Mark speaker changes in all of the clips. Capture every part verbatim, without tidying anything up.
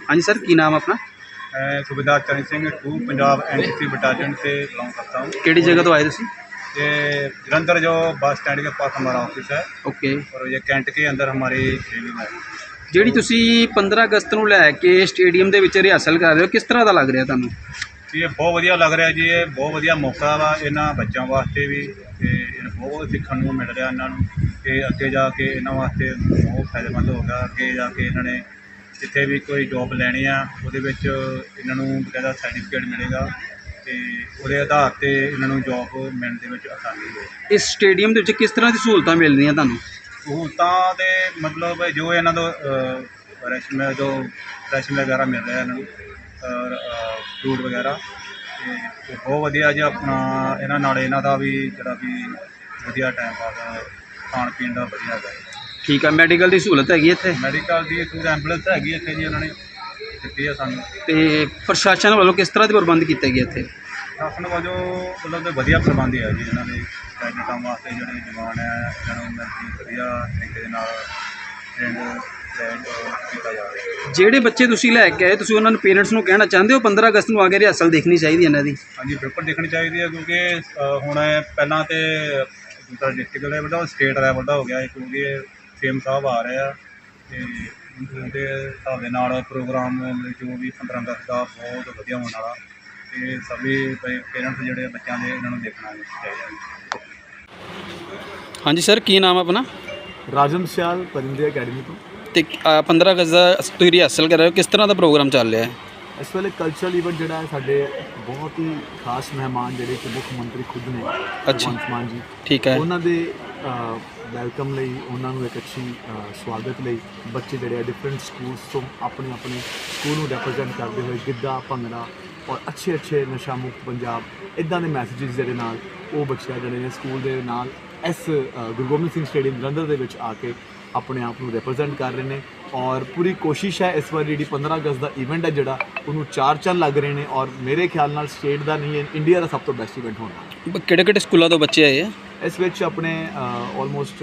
Speaker 1: हाँ जी सर, की नाम अपना?
Speaker 2: मैं सूबेदार Charan Singh two Punjab N C C battalion से बिलोंग करता हूँ।
Speaker 1: केड़ी जगह तो आए तुसी?
Speaker 2: ये जलंधर जो बस स्टैंड के पास हमारा ऑफिस है
Speaker 1: ओके।
Speaker 2: और ये कैंट के अंदर हमारी ट्रेनिंग है।
Speaker 1: ਜਿਹੜੀ ਤੁਸੀਂ पंद्रह अगस्त ਨੂੰ ਲੈ ਕੇ ਸਟੇਡੀਅਮ ਦੇ ਵਿੱਚ ਰਿਹਰਸਲ ਕਰ ਰਹੇ ਹੋ, ਕਿਸ ਤਰ੍ਹਾਂ ਦਾ ਲੱਗ ਰਿਹਾ ਤੁਹਾਨੂੰ?
Speaker 2: ਇਹ ਬਹੁਤ ਵਧੀਆ ਲੱਗ ਰਿਹਾ ਜੀ। ਇਹ ਬਹੁਤ ਵਧੀਆ ਮੌਕਾ ਵਾ ਇਹਨਾਂ ਬੱਚਿਆਂ ਵਾਸਤੇ ਵੀ, ਤੇ ਇਹ ਬਹੁਤ ਸਿੱਖਣ ਨੂੰ ਮਿਲ ਰਿਹਾ ਇਹਨਾਂ ਨੂੰ ਕਿ ਅੱਗੇ ਜਾ ਕੇ ਇਹਨਾਂ ਵਾਸਤੇ ਬਹੁਤ ਫਾਇਦੇਮੰਦ ਹੋਗਾ। ਅੱਗੇ ਜਾ ਕੇ ਇਹਨਾਂ ਨੇ ਜਿੱਥੇ ਵੀ ਕੋਈ ਜੋਬ ਲੈਣੀ ਆ ਉਹਦੇ ਵਿੱਚ ਇਹਨਾਂ ਨੂੰ ਬਕਾਇਦਾ ਸਰਟੀਫਿਕੇਟ ਮਿਲੇਗਾ ਤੇ ਉਹਦੇ ਆਧਾਰ 'ਤੇ ਇਹਨਾਂ ਨੂੰ ਜੋਬ ਮਿਲਣ ਦੇ ਵਿੱਚ ਆਸਾਨੀ ਹੋਵੇ।
Speaker 1: ਇਸ ਸਟੇਡੀਅਮ ਦੇ ਵਿੱਚ ਕਿਸ ਤਰ੍ਹਾਂ ਦੀ ਸਹੂਲਤਾਂ ਮਿਲਦੀਆਂ ਤੁਹਾਨੂੰ?
Speaker 2: ਸਹੂਲਤਾਂ ਦੇ ਮਤਲਬ ਜੋ ਇਹਨਾਂ ਦਾ ਰੈਸ਼ਨ ਜੋ ਰੈਸ਼ਨ ਵਗੈਰਾ ਮਿਲ ਰਿਹਾ ਇਹਨਾਂ ਨੂੰ ਔਰ ਫਰੂਟ ਵਗੈਰਾ, ਅਤੇ ਬਹੁਤ ਵਧੀਆ ਜੀ। ਆਪਣਾ ਇਹਨਾਂ ਨਾਲ ਇਹਨਾਂ ਦਾ ਵੀ ਜਿਹੜਾ ਵੀ ਵਧੀਆ ਟਾਈਮ ਪਾਸ ਖਾਣ ਪੀਣ ਦਾ ਵਧੀਆ ਹੈਗਾ।
Speaker 1: ਠੀਕ ਆ। ਮੈਡੀਕਲ ਦੀ ਸਹੂਲਤ ਹੈਗੀ ਇੱਥੇ?
Speaker 2: ਮੈਡੀਕਲ ਦੀ ਸਹੂਲਤ ਐਂਬੂਲੈਂਸ ਹੈਗੀ ਇੱਥੇ ਜੀ, ਉਹਨਾਂ ਨੇ ਦਿੱਤੀ ਆ ਸਾਨੂੰ।
Speaker 1: ਅਤੇ ਪ੍ਰਸ਼ਾਸਨ ਵੱਲੋਂ ਕਿਸ ਤਰ੍ਹਾਂ ਦੇ ਪ੍ਰਬੰਧ ਕੀਤੇ ਗਏ ਇੱਥੇ?
Speaker 2: ਪ੍ਰਸ਼ਾਸਨ ਵਜੋਂ ਮਤਲਬ ਕਿ ਵਧੀਆ ਪ੍ਰਬੰਧ ਹੈ ਜੀ ਇਹਨਾਂ ਦੇ ਕੈਡਿਟਾਂ ਵਾਸਤੇ। ਜਿਹੜੇ ਜਵਾਨ ਹੈ ਇਹਨਾਂ ਨੂੰ ਮਤਲਬ ਵਧੀਆ ਤਰੀਕੇ ਦੇ ਨਾਲ ਟ੍ਰੇਨਡ ਕੀਤਾ ਜਾ ਰਿਹਾ।
Speaker 1: ਜਿਹੜੇ ਬੱਚੇ ਤੁਸੀਂ ਲੈ ਕੇ ਆਏ, ਤੁਸੀਂ ਉਹਨਾਂ ਨੂੰ ਪੇਰੈਂਟਸ ਨੂੰ ਕਹਿਣਾ ਚਾਹੁੰਦੇ ਹੋ ਪੰद्रह ਅਗਸਤ ਨੂੰ ਆ ਕੇ ਰਿਹਰਸਲ ਦੇਖਣੀ ਚਾਹੀਦੀ ਇਹਨਾਂ ਦੀ?
Speaker 2: ਹਾਂਜੀ ਬਿਲਕੁਲ ਦੇਖਣੀ ਚਾਹੀਦੀ ਹੈ, ਕਿਉਂਕਿ ਹੁਣ ਪਹਿਲਾਂ ਤਾਂ ਦੂਸਰਾ ਡਿਸਟ੍ਰਿਕਟ ਲੈਵਲ ਦਾ ਸਟੇਟ ਲੈਵਲ ਦਾ ਹੋ ਗਿਆ, ਕਿਉਂਕਿ ਸੀਐਮ ਸਾਹਿਬ ਆ ਰਹੇ ਆ ਅਤੇ ਉਹਦੇ ਹਿਸਾਬ ਦੇ ਨਾਲ ਪ੍ਰੋਗਰਾਮ ਜੋ ਵੀ ਪੰद्रह ਅਗਸਤ ਦਾ ਬਹੁਤ ਵਧੀਆ ਹੋਣ ਵਾਲਾ, ਅਤੇ ਸਭੀ ਪੇਰੈਂਟਸ ਜਿਹੜੇ ਬੱਚਿਆਂ ਦੇ ਇਹਨਾਂ ਨੂੰ ਦੇਖਣਾ ਚਾਹੀਦਾ।
Speaker 1: ਹਾਂਜੀ ਸਰ, ਕੀ ਨਾਮ ਆਪਣਾ?
Speaker 3: ਰਾਜਨ ਸਿਆਲ ਪਰਿੰਦੇ ਅਕੈਡਮੀ ਤੋਂ।
Speaker 1: ਅਤੇ पंद्रह ਅਗਸਤ ਦਾ ਤੁਸੀਂ ਰਿਹਰਸਲ ਕਰ ਰਹੇ ਹੋ, ਕਿਸ ਤਰ੍ਹਾਂ ਦਾ ਪ੍ਰੋਗਰਾਮ ਚੱਲ ਰਿਹਾ ਹੈ?
Speaker 3: ਇਸ ਵੇਲੇ ਕਲਚਰਲ ਇਵੈਂਟ ਜਿਹੜਾ ਹੈ, ਸਾਡੇ ਬਹੁਤ ਹੀ ਖਾਸ ਮਹਿਮਾਨ ਜਿਹੜੇ ਕਿ ਮੁੱਖ ਮੰਤਰੀ ਖੁਦ ਨੇ, ਭਗਵੰਤ ਮਾਨ ਜੀ,
Speaker 1: ਠੀਕ ਹੈ।
Speaker 3: ਉਹਨਾਂ ਦੇ ਵੈਲਕਮ ਲਈ, ਉਹਨਾਂ ਨੂੰ ਇੱਕ ਅੱਛੀ ਸਵਾਗਤ ਲਈ ਬੱਚੇ ਜਿਹੜੇ ਆ ਡਿਫਰੈਂਟ ਸਕੂਲਸ ਤੋਂ ਆਪਣੇ ਆਪਣੇ ਸਕੂਲ ਨੂੰ ਰੈਪਰਜੈਂਟ ਕਰਦੇ ਹੋਏ ਗਿੱਧਾ, ਭੰਗੜਾ ਔਰ ਅੱਛੇ ਅੱਛੇ ਨਸ਼ਾ ਮੁਕਤ ਪੰਜਾਬ ਇੱਦਾਂ ਦੇ ਮੈਸੇਜਿਸ ਜਿਹੜੇ ਨਾਲ ਉਹ ਬੱਚੇ ਜਿਹੜੇ ਨੇ ਸਕੂਲ ਦੇ ਨਾਲ ਇਸ ਗੁਰੂ ਗੋਬਿੰਦ ਸਿੰਘ ਸਟੇਡੀਅਮ ਜਲੰਧਰ ਦੇ ਵਿੱਚ ਆ ਕੇ ਆਪਣੇ ਆਪ ਨੂੰ ਰਿਪਰੈਜ਼ੈਂਟ ਕਰ ਰਹੇ ਨੇ। ਔਰ ਪੂਰੀ ਕੋਸ਼ਿਸ਼ ਹੈ ਇਸ ਵਾਰ ਜਿਹੜੀ पंद्रह ਅਗਸਤ ਦਾ ਇਵੈਂਟ ਹੈ ਜਿਹੜਾ ਉਹਨੂੰ ਚਾਰ ਚੰਨ ਲੱਗ ਰਹੇ ਨੇ, ਔਰ ਮੇਰੇ ਖਿਆਲ ਨਾਲ ਸਟੇਟ ਦਾ ਨਹੀਂ, ਇੰਡੀਆ ਦਾ ਸਭ ਤੋਂ ਬੈਸਟ ਇਵੈਂਟ ਹੋਣਾ।
Speaker 1: ਕਿਹੜੇ ਕਿਹੜੇ ਸਕੂਲਾਂ ਤੋਂ ਬੱਚੇ ਆਏ ਆ
Speaker 3: ਇਸ ਵਿੱਚ? ਆਪਣੇ ਆਲਮੋਸਟ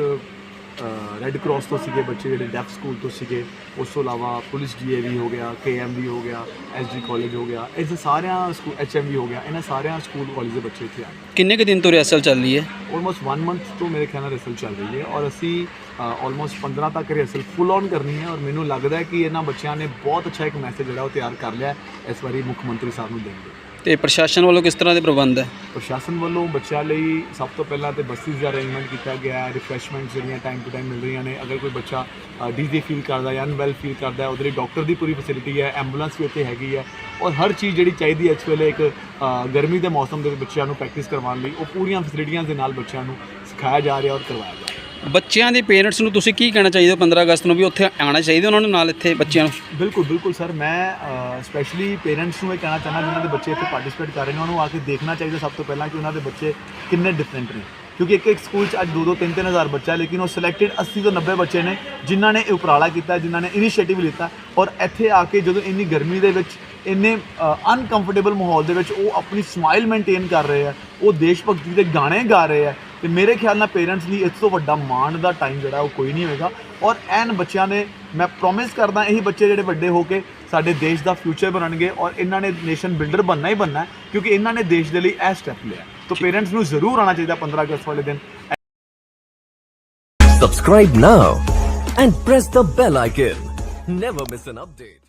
Speaker 3: ਰੈੱਡ ਕ੍ਰਾਸ ਤੋਂ ਸੀਗੇ ਬੱਚੇ, ਜਿਹੜੇ ਡੈਫ ਸਕੂਲ ਤੋਂ ਸੀਗੇ, ਉਸ ਤੋਂ ਇਲਾਵਾ ਪੁਲਿਸ ਡੀ ਏ ਵੀ ਹੋ ਗਿਆ, ਕੇ ਐਮ ਵੀ ਹੋ ਗਿਆ, ਐਸ ਡੀ ਕਾਲਜ ਹੋ ਗਿਆ, ਇਸ ਸਾਰਿਆਂ ਸਕੂਲ, ਐਚ ਐਮ ਵੀ ਹੋ ਗਿਆ, ਇਹਨਾਂ ਸਾਰਿਆਂ ਸਕੂਲ ਕਾਲਜ ਦੇ ਬੱਚੇ ਇੱਥੇ ਆਏ।
Speaker 1: ਕਿੰਨੇ ਕੁ ਦਿਨ ਤੋਂ ਰਿਹਰਸਲ ਚੱਲ ਰਹੀ ਹੈ?
Speaker 3: ਆਲਮੋਸਟ ਵਨ ਮੰਥ ਤੋਂ ਮੇਰੇ ਖਿਆਲ ਨਾਲ ਰਿਹਰਸਲ ਚੱਲ ਰਹੀ ਹੈ, ਔਰ ਅਸੀਂ ਆਲਮੋਸਟ पंद्रह ਤੱਕ ਰਿਹਰਸਲ ਫੁੱਲ ਔਨ ਕਰਨੀ ਹੈ। ਔਰ ਮੈਨੂੰ ਲੱਗਦਾ ਹੈ ਕਿ ਇਹਨਾਂ ਬੱਚਿਆਂ ਨੇ ਬਹੁਤ ਅੱਛਾ ਇੱਕ ਮੈਸੇਜ ਜਿਹੜਾ ਉਹ ਤਿਆਰ ਕਰ ਲਿਆ ਇਸ ਵਾਰੀ ਮੁੱਖ ਮੰਤਰੀ ਸਾਹਿਬ ਨੂੰ ਦੇਣਗੇ।
Speaker 1: ਅਤੇ ਪ੍ਰਸ਼ਾਸਨ ਵੱਲੋਂ ਕਿਸ ਤਰ੍ਹਾਂ ਦੇ ਪ੍ਰਬੰਧ ਹੈ?
Speaker 3: ਪ੍ਰਸ਼ਾਸਨ ਵੱਲੋਂ ਬੱਚਿਆਂ ਲਈ ਸਭ ਤੋਂ ਪਹਿਲਾਂ ਤਾਂ ਬੱਸਿਸ ਦਾ ਅਰੇਂਜਮੈਂਟ ਕੀਤਾ ਗਿਆ ਹੈ, ਰਿਫਰੈਸ਼ਮੈਂਟਸ ਜਿਹੜੀਆਂ ਟਾਈਮ ਟੂ ਟਾਈਮ ਮਿਲ ਰਹੀਆਂ ਨੇ। ਅਗਰ ਕੋਈ ਬੱਚਾ ਡੀਜ਼ੀ ਫੀਲ ਕਰਦਾ ਜਾਂ ਅਨਵੈਲ ਫੀਲ ਕਰਦਾ, ਉਹਦੇ ਲਈ ਡਾਕਟਰ ਦੀ ਪੂਰੀ ਫੈਸਿਲਿਟੀ ਹੈ, ਐਂਬੂਲੈਂਸ ਵੀ ਇੱਥੇ ਹੈਗੀ ਹੈ, ਔਰ ਹਰ ਚੀਜ਼ ਜਿਹੜੀ ਚਾਹੀਦੀ ਹੈ ਇਸ ਵੇਲੇ ਇੱਕ ਗਰਮੀ ਦੇ ਮੌਸਮ ਦੇ ਵਿੱਚ ਬੱਚਿਆਂ ਨੂੰ ਪ੍ਰੈਕਟਿਸ ਕਰਵਾਉਣ ਲਈ, ਉਹ ਪੂਰੀਆਂ ਫੈਸਿਲਿਟੀਆਂ ਦੇ ਨਾਲ ਬੱਚਿਆਂ ਨੂੰ ਸਿਖਾਇਆ ਜਾ ਰਿਹਾ ਔਰ ਕਰਵਾਇਆ ਜਾ ਰਿਹਾ।
Speaker 1: ਬੱਚਿਆਂ ਦੇ ਪੇਰੈਂਟਸ ਨੂੰ ਤੁਸੀਂ ਕੀ ਕਹਿਣਾ ਚਾਹੀਦਾ पंद्रह ਅਗਸਤ ਨੂੰ ਵੀ ਉੱਥੇ ਆਉਣਾ ਚਾਹੀਦਾ ਉਹਨਾਂ ਨੂੰ ਨਾਲ ਇੱਥੇ ਬੱਚਿਆਂ ਨੂੰ?
Speaker 3: ਬਿਲਕੁਲ ਬਿਲਕੁਲ ਸਰ, ਮੈਂ ਸਪੈਸ਼ਲੀ ਪੇਰੈਂਟਸ ਨੂੰ ਇਹ ਕਹਿਣਾ ਚਾਹੁੰਦਾ ਜਿਨ੍ਹਾਂ ਦੇ ਬੱਚੇ ਇੱਥੇ ਪਾਰਟਿਸਿਪੇਟ ਕਰ ਰਹੇ ਨੇ, ਉਹਨਾਂ ਨੂੰ ਆ ਕੇ ਦੇਖਣਾ ਚਾਹੀਦਾ ਸਭ ਤੋਂ ਪਹਿਲਾਂ ਕਿ ਉਹਨਾਂ ਦੇ ਬੱਚੇ ਕਿੰਨੇ ਡਿਫਰੈਂਟ ਨੇ। ਕਿਉਂਕਿ ਇੱਕ ਇੱਕ ਸਕੂਲ 'ਚ ਅੱਜ ਦੋ ਦੋ ਤਿੰਨ ਤਿੰਨ ਹਜ਼ਾਰ ਬੱਚਾ, ਲੇਕਿਨ ਉਹ ਸਿਲੈਕਟਡ अस्सी ਤੋਂ नब्बे ਬੱਚੇ ਨੇ ਜਿਨ੍ਹਾਂ ਨੇ ਇਹ ਉਪਰਾਲਾ ਕੀਤਾ, ਜਿਨ੍ਹਾਂ ਨੇ ਇਨੀਸ਼ੀਏਟਿਵ ਲਿੱਤਾ, ਔਰ ਇੱਥੇ ਆ ਕੇ ਜਦੋਂ ਇੰਨੀ ਗਰਮੀ ਦੇ ਵਿੱਚ, ਇੰਨੇ ਅਨਕੰਫਰਟੇਬਲ ਮਾਹੌਲ ਦੇ ਵਿੱਚ ਉਹ ਆਪਣੀ ਸਮਾਈਲ ਮੇਨਟੇਨ ਕਰ ਰਹੇ ਆ, ਉਹ ਦੇਸ਼ ਭਗਤੀ ਦੇ ਗਾਣੇ ਗਾ ਰਹੇ ਆ, ਅਤੇ ਮੇਰੇ ਖਿਆਲ ਨਾਲ ਪੇਰੈਂਟਸ ਲਈ ਇਸ ਤੋਂ ਵੱਡਾ ਮਾਣ ਦਾ ਟਾਈਮ ਜਿਹੜਾ ਉਹ ਕੋਈ ਨਹੀਂ ਹੋਵੇਗਾ। ਔਰ ਐਨ ਬੱਚਿਆਂ ਨੇ, ਮੈਂ ਪ੍ਰੋਮਿਸ ਕਰਦਾ, ਇਹੀ ਬੱਚੇ ਜਿਹੜੇ ਵੱਡੇ ਹੋ ਕੇ ਸਾਡੇ ਦੇਸ਼ ਦਾ ਫਿਊਚਰ ਬਣਨਗੇ, ਔਰ ਇਹਨਾਂ ਨੇ ਨੇਸ਼ਨ ਬਿਲਡਰ ਬਣਨਾ ਹੀ ਬਣਨਾ, ਕਿਉਂਕਿ ਇਹਨਾਂ ਨੇ ਦੇਸ਼ ਦੇ ਲਈ ਇਹ ਸਟੈਪ ਲਿਆ। ਤਾਂ ਪੇਰੈਂਟਸ ਨੂੰ ਜ਼ਰੂਰ ਆਉਣਾ ਚਾਹੀਦਾ पंद्रह ਅਗਸਤ ਵਾਲੇ ਦਿਨ।
Speaker 4: Subscribe now and press the bell icon. Never miss an update.